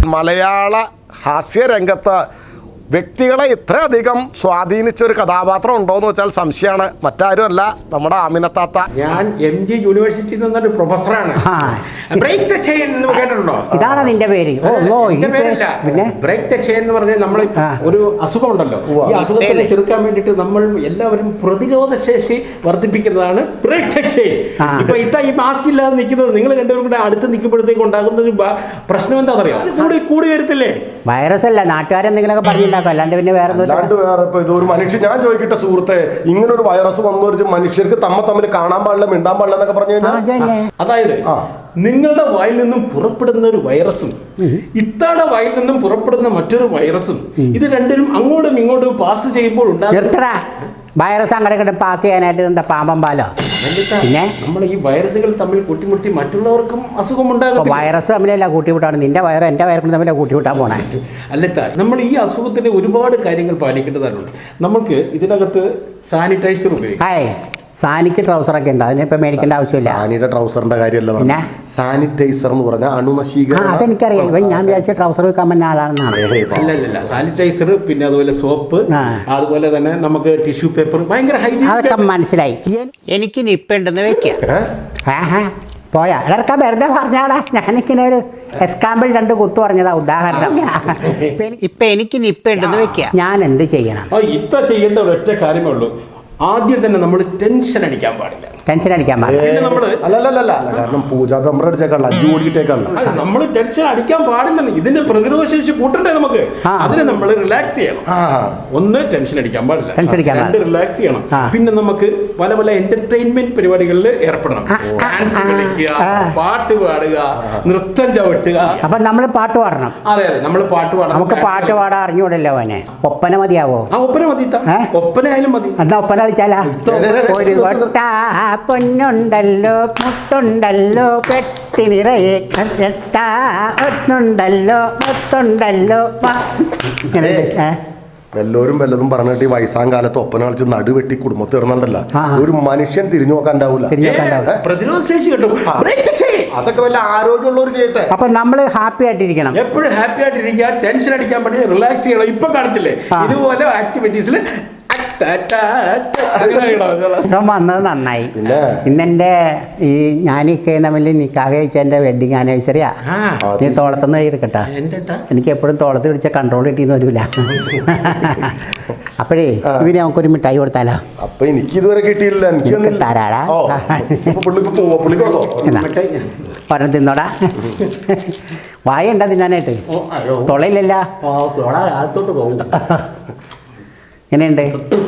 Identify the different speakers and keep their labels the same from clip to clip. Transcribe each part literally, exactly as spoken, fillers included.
Speaker 1: മലയാള ഹാസ്യരംഗത്ത് വ്യക്തികളെ ഇത്രയധികം സ്വാധീനിച്ചൊരു കഥാപാത്രം ഉണ്ടോയെന്ന് വെച്ചാൽ സംശയമാണ്. മറ്റാരുമല്ല, നമ്മുടെ ആമിനത്താത്ത.
Speaker 2: ഞാൻ എം ജി യൂണിവേഴ്സിറ്റിയിൽ നിന്നൊരു പ്രൊഫസറാണ്. ബ്രേക്ക് ദ ചെയിൻ എന്ന് കേട്ടിട്ടുണ്ടോ?
Speaker 3: ഇതാണ് നിന്റെ പേര്?
Speaker 2: പിന്നെ ബ്രേക്ക് ദ ചെയിൻ എന്ന് പറഞ്ഞാൽ നമ്മൾ ഒരു അസുഖം ഉണ്ടല്ലോ, ഈ അസുഖത്തിനെ ചെറുക്കാൻ വേണ്ടിയിട്ട് നമ്മൾ എല്ലാവരും പ്രതിരോധ ശേഷി വർദ്ധിപ്പിക്കുന്നതാണ് ബ്രേക്ക് ദ ചെയിൻ. ഇപ്പൊ ഇതാ ഈ മാസ്ക് ഇല്ലാതെ നിൽക്കുന്നത്, നിങ്ങൾ രണ്ടുപേരും കൂടെ അടുത്ത് നിൽക്കുമ്പോഴത്തേക്ക് ഉണ്ടാകുന്ന ഒരു പ്രശ്നം എന്താണെന്നറിയാം? കൂടി കൂടി വരത്തില്ലേ?
Speaker 3: വൈറസ് അല്ല, നാട്ടുകാരെന്തെങ്കിലുമൊക്കെ പറഞ്ഞിട്ടുണ്ടാക്കും, അല്ലാണ്ട് പിന്നെ വേറെ
Speaker 1: അല്ലാണ്ട് വേറെ ഇപ്പൊ ഇതൊരു മനുഷ്യൻ, ഞാൻ ചോദിക്കട്ടെ സുഹൃത്തെ, ഇങ്ങനെ ഒരു വൈറസ് വന്നു ഒരു മനുഷ്യർക്ക് തമ്മ തമ്മിൽ കാണാൻ പാടില്ല, മിണ്ടാൻ പാടില്ല എന്നൊക്കെ പറഞ്ഞു കഴിഞ്ഞാൽ,
Speaker 2: അതായത് നിങ്ങളുടെ വായിൽ നിന്നും പുറപ്പെടുന്ന ഒരു വൈറസും ഇത്താടെ വായിൽ നിന്നും പുറപ്പെടുന്ന മറ്റൊരു വൈറസും, ഇത് രണ്ടിനും അങ്ങോട്ടും ഇങ്ങോട്ടും പാസ് ചെയ്യുമ്പോൾ ഉണ്ടാകുന്ന
Speaker 3: വൈറസ് അങ്ങനെ പാസ് ചെയ്യാനായിട്ട് എന്താ പാമ്പം പാലോ? പിന്നെ
Speaker 2: നമ്മൾ ഈ വൈറസുകൾ തമ്മിൽ കൂട്ടിമുട്ടി മറ്റുള്ളവർക്കും അസുഖം ഉണ്ടാകും.
Speaker 3: വൈറസ് തമ്മിലല്ല കൂട്ടിമുട്ടാണ്, നിന്റെ വയറ് എൻ്റെ വയറും തമ്മിൽ കൂട്ടിമുട്ടാൻ പോണേ.
Speaker 2: അല്ലത്താ, നമ്മൾ ഈ അസുഖത്തിന് ഒരുപാട് കാര്യങ്ങൾ പാലിക്കേണ്ടതായിട്ടുണ്ട്. നമുക്ക് ഇതിനകത്ത് സാനിറ്റൈസർ ഉപയോഗിക്കാം.
Speaker 3: സാനിക്ക് ട്രൗസറൊക്കെ ഉണ്ട്, അതിനിപ്പോൾ മേടിക്കേണ്ട ആവശ്യമില്ല.
Speaker 1: സാനിയുടെ ട്രൗസറിന്റെ കാര്യമല്ല, പിന്നെ സാനിറ്റൈസർ എന്ന് പറഞ്ഞാൽ അണുനശീകരണം.
Speaker 3: അതെനിക്കറിയാം, ഇവൻ ഞാൻ വിചാരിച്ച ട്രൗസർ വെക്കാൻ പറ്റുന്ന ആളാണെന്നാണ്.
Speaker 2: അല്ലല്ല, സാനിറ്റൈസർ, പിന്നെ അതുപോലെ സോപ്പ്, അതുപോലെ തന്നെ നമുക്ക് ടിഷ്യൂ പേപ്പർ, ഭയങ്കര ഹൈജീൻ.
Speaker 3: അതൊക്കെ മനസ്സിലായി. എനിക്ക് നിപ്പുണ്ടെന്ന് വെക്കാം. പോയാ ഇടർക്കാൻ വെറുതെ പറഞ്ഞാടാ, ഞാനിങ്ങനെ ഒരു എക്സാമ്പിൾ രണ്ട് കുത്തു പറഞ്ഞതാ, ഉദാഹരണം. ഇപ്പൊ എനിക്ക് നിപ്പുണ്ടെന്ന് വെക്കാം, ഞാൻ എന്ത് ചെയ്യണം?
Speaker 2: ഇത്ത ചെയ്യേണ്ട ഒരൊറ്റ കാര്യമേ ഉള്ളൂ. ആദ്യം തന്നെ നമ്മൾ ടെൻഷൻ അടിക്കാൻ പാടില്ല.
Speaker 3: ടെൻഷൻ അടിക്കാൻ പാടില്ല
Speaker 1: അല്ലല്ല, കാരണം പൂജാ കമ്പറ അടിച്ചേക്കാണല്ലോ, അഞ്ചു കോടിയിട്ടേക്കാണല്ലോ.
Speaker 2: നമ്മൾ ടെൻഷൻ അടിക്കാൻ പാടില്ലെന്ന്, ഇതിന്റെ പ്രതിരോധ ശേഷി കൂട്ടണ്ടേ നമുക്ക്? അതിനെ നമ്മൾ റിലാക്സ് ചെയ്യണം. ഒന്ന് ടെൻഷൻ അടിക്കാൻ പാടില്ല, രണ്ട് റിലാക്സ് ചെയ്യണം. പിന്നെ നമുക്ക് പല പല എന്റർടൈൻമെന്റ് പരിപാടികളിൽ ഏർപ്പെടണം. ഡാൻസ് കളിക്കുക, പാട്ട് പാടുക, നൃത്തം ചവിട്ടുക.
Speaker 3: അപ്പൊ നമ്മൾ പാട്ട് പാടണം.
Speaker 2: അതെ അതെ, നമ്മൾ പാട്ട് പാടണം.
Speaker 3: നമുക്ക് പാട്ട് പാടാൻ അറിഞ്ഞൂടല്ലോ അവനെ. ഒപ്പന മതിയാവോ?
Speaker 2: ആ ഒപ്പന മതി, ഒപ്പന ആയാലും മതി.
Speaker 3: എന്നാ ഒപ്പന കളിച്ചാലാ? ഒരു കൊട്ട പൊന്നുണ്ടല്ലോ, മുത്തുണ്ടല്ലോ, പെട്ടി നിറയെ ഒന്നുണ്ടല്ലോ, മുത്തുണ്ടല്ലോ.
Speaker 1: വല്ലവരും വല്ലതും പറഞ്ഞിട്ട് ഈ വയസ്സാം കാലത്ത് ഒപ്പന കളിച്ച് നടുവെട്ടി കുടുംബത്തിൽ ഇടുന്നുണ്ടല്ല, ഒരു മനുഷ്യൻ തിരിഞ്ഞു നോക്കാൻ ഉണ്ടാവില്ല.
Speaker 2: പ്രതിരോധ ശേഷി കിട്ടും.
Speaker 1: അതൊക്കെ വല്ല ആരോഗ്യമുള്ളവർ ചെയ്യട്ടെ.
Speaker 3: അപ്പൊ നമ്മള് ഹാപ്പി ആയിട്ടിരിക്കണം,
Speaker 2: എപ്പോഴും ഹാപ്പി ആയിട്ടിരിക്കുക, ടെൻഷൻ അടിക്കാൻ പറ്റില്ല, റിലാക്സ് ചെയ്യണം. ഇപ്പൊ കാണിച്ചില്ലേ ഇതുപോലെ ആക്ടിവിറ്റീസിൽ
Speaker 3: വന്നത് നന്നായി. ഇന്നെന്റെ ഈ ഞാനീക്കെ തമ്മിൽ നിക്കാഹ് കഴിച്ചെന്റെ വെഡിങ് ആനിവേഴ്സറിയാ. നീ തോളത്തുനിന്ന് എടുക്കട്ടാ, എനിക്ക് എപ്പോഴും തോളത്ത് പിടിച്ച കൺട്രോൾ കിട്ടിയെന്ന് വരില്ല. അപ്പോഴേ ഇവര് നമുക്കൊരു മിഠായി കൊടുത്താലോ?
Speaker 1: അപ്പൊ എനിക്ക് ഇതുവരെ കിട്ടിയില്ല, എനിക്ക്
Speaker 3: തരാടാ. പറഞ്ഞ തിന്നോടാ, വായ ഉണ്ടാ തിന്നാനായിട്ട്, തൊളയില്ലല്ല. എങ്ങനെയുണ്ട്?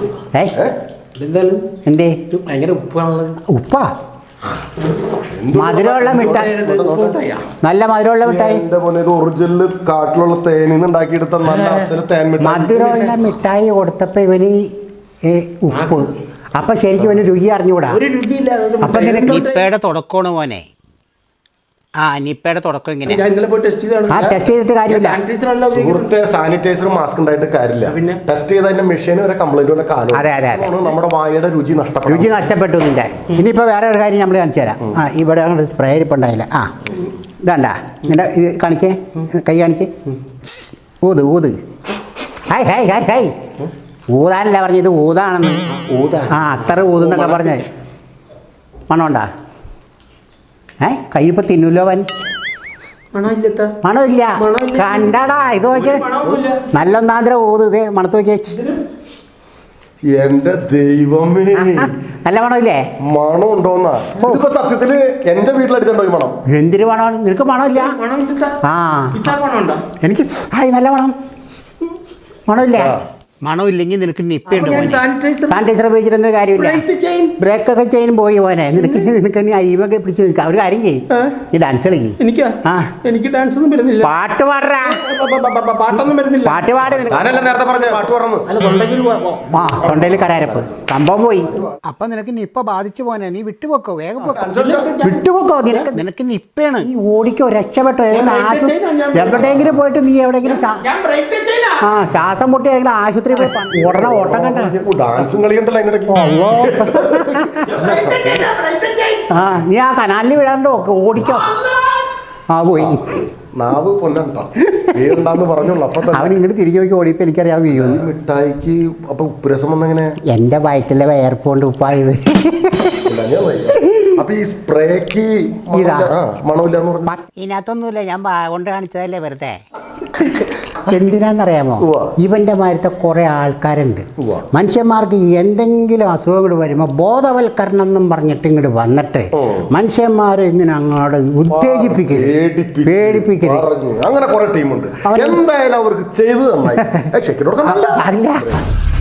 Speaker 3: എന്തേ ഉപ്പാ? മധുരമുള്ള മിഠായി, നല്ല മധുരമുള്ള മിഠായി,
Speaker 1: ഒറിജിനൽ കാട്ടിലുള്ള തേനിന്ന് ഉണ്ടാക്കിയെടുത്ത
Speaker 3: മധുരമുള്ള മിഠായി കൊടുത്തപ്പോ ഇവന് ഉപ്പ്. അപ്പൊ ശരിക്കും ഇവന് രുചി അറിഞ്ഞുകൂടാ. അപ്പൊ നിപ്പയുടെ തുടക്കമാണ് മോനെ. ആ നിപ്പയുടെ തുടക്കം ഇങ്ങനെ. ആ ടെസ്റ്റ് ചെയ്തിട്ട് കാര്യമില്ല.
Speaker 1: സുഹൃത്തെ, സാനിറ്റൈസർ മാസ്ക് ഉണ്ടായിട്ട് കാര്യമില്ല. പിന്നെ ടെസ്റ്റ് ചെയ്ത അതിന്റെ മെഷീൻ വരെ കംപ്ലൈന്റ് കാലം.
Speaker 3: അതെ അതെ അതെ,
Speaker 1: നമ്മുടെ വായയുടെ രുചി നഷ്ടപ്പെട്ടു
Speaker 3: രുചി നഷ്ടപ്പെട്ടു നിന്റെ. ഇനിയിപ്പോൾ വേറെ ഒരു കാര്യം നമ്മൾ കാണിച്ചു തരാം. ആ ഇവിടെ അങ്ങോട്ട് സ്പ്രേ ഇരിപ്പുണ്ടായില്ല. ആ ഇതാണ്ടാ നിന്റെ ഇത് കാണിച്ചേ, കൈ കാണിച്ചേ. ഊത് ഊത്. Hi hi hi hi. ഊതാനല്ല പറഞ്ഞത്, ഊതാണെന്ന്. ഊതാ ആ അത്ര ഊതെന്നൊക്കെ പറഞ്ഞേ. മണമുണ്ടാ? ഏ കൈ ഇപ്പൊ തിന്നൂല്ലോ അവൻ. മണമില്ല, കണ്ടടാ. ഇത് നോക്കിയേ, നല്ല ഒന്നാന്തര ഊത്. ഇതേ മണത്ത് നോക്കിയേ.
Speaker 1: എന്റെ ദൈവമേ,
Speaker 3: നല്ല മണമില്ലേ?
Speaker 1: മണം ഉണ്ടോന്നാ? ഇപ്പൊ സത്യത്തില് എന്റെ വീട്ടിലടിച്ചോ ഈ മണം?
Speaker 3: എന്തിനു മണമാണ്? നിനക്ക് മണമില്ല? ആ എനിക്ക് ഹായ് നല്ല മണം. മണമില്ലേ? മണമില്ലെങ്കിൽ നിനക്ക് നിപ്പുണ്ട്. സാനിറ്റൈസർ ഉപയോഗിച്ചിരുന്ന കാര്യമില്ല. ബ്രേക്കൊക്കെ ചെയിൻ പോയി പോനെ. നിനക്ക് നിനക്ക് അയ്യൊക്കെ പിടിച്ച് നിൽക്കാം. ഒരു കാര്യം ചെയ്യും, ഈ ഡാൻസ് കളിക്കും.
Speaker 2: എനിക്ക് എനിക്ക് ഡാൻസ് ഒന്നും വരുന്നില്ല.
Speaker 3: പാട്ട് പാടാ,
Speaker 2: പാട്ടൊന്നും വരുന്നില്ല.
Speaker 3: പാട്ട് പാട്.
Speaker 1: നേരത്തെ പറഞ്ഞ പാട്ട് പാടുന്നു.
Speaker 3: ആ തൊണ്ടയിൽ കരാരപ്പ് സംഭവം പോയി. അപ്പൊ നിനക്ക് നിപ്പ ബാധിച്ചു പോനെ. നീ വിട്ടുപോക്കോ, വേഗം വിട്ടുപോക്കോ. നിനക്ക് നിനക്ക് നിപ്പയാണ്. നീ ഓടിക്കോ, രക്ഷപ്പെട്ടോ. എവിടെയെങ്കിലും പോയിട്ട് നീ എവിടെയെങ്കിലും ആ ശ്വാസം മുട്ടി ഏതെങ്കിലും ആശുപത്രി ഉടനെ ഓട്ടം കണ്ട.
Speaker 1: ഡാൻസും കളിയുണ്ടല്ലോ.
Speaker 3: ആ നീ ആ കനാലിൽ വിടാണ്ട് ഓടിക്കോ. ആ പോയി.
Speaker 1: നാവ് പൊന്നണ്ട. വീടുണ്ടാന്ന് പറഞ്ഞോളൂ. അപ്പൊ തന്നെ
Speaker 3: അവൻ ഇങ്ങോട്ട് തിരിഞ്ഞു നോക്കി ഓടിയപ്പോൾ എനിക്കറിയാൻ വീഴുന്നു.
Speaker 1: മിഠായിക്ക് അപ്പൊ ഉപ്പുരസം വന്നെങ്ങനെ?
Speaker 3: എൻ്റെ വയറ്റിലെ വേർപ്പുകൊണ്ട് ഉപ്പായത്.
Speaker 1: അപ്പൊ ഈ സ്പ്രേക്ക്
Speaker 3: ഇതാ.
Speaker 1: മണമില്ലാന്ന് പറഞ്ഞു.
Speaker 3: ഇതിനകത്തൊന്നുമില്ല, ഞാൻ കൊണ്ട് കാണിച്ചതല്ലേ വെറുതെ. എന്തിനാന്നറിയാമോ?
Speaker 1: ഉവ്വ.
Speaker 3: ഇവന്റെ മാരത്തെ കുറെ ആൾക്കാരുണ്ട്.
Speaker 1: ഉവ്വ.
Speaker 3: മനുഷ്യന്മാർക്ക് എന്തെങ്കിലും അസുഖങ്ങൾ വരുമ്പോൾ ബോധവൽക്കരണം എന്നും പറഞ്ഞിട്ട് ഇങ്ങോട്ട് വന്നിട്ട് മനുഷ്യന്മാരെ ഇങ്ങനെ അങ്ങോട്ട് ഉത്തേജിപ്പിക്കരുത്,
Speaker 1: പേടിപ്പിച്ച്
Speaker 3: പേടിപ്പിക്കരുത്.
Speaker 1: പറഞ്ഞു. അങ്ങനെ കുറെ ടീമുണ്ട്.
Speaker 3: അവര്
Speaker 1: എന്തായാലും അവർക്ക് ചെയ്തു തന്നായി.
Speaker 3: അല്ല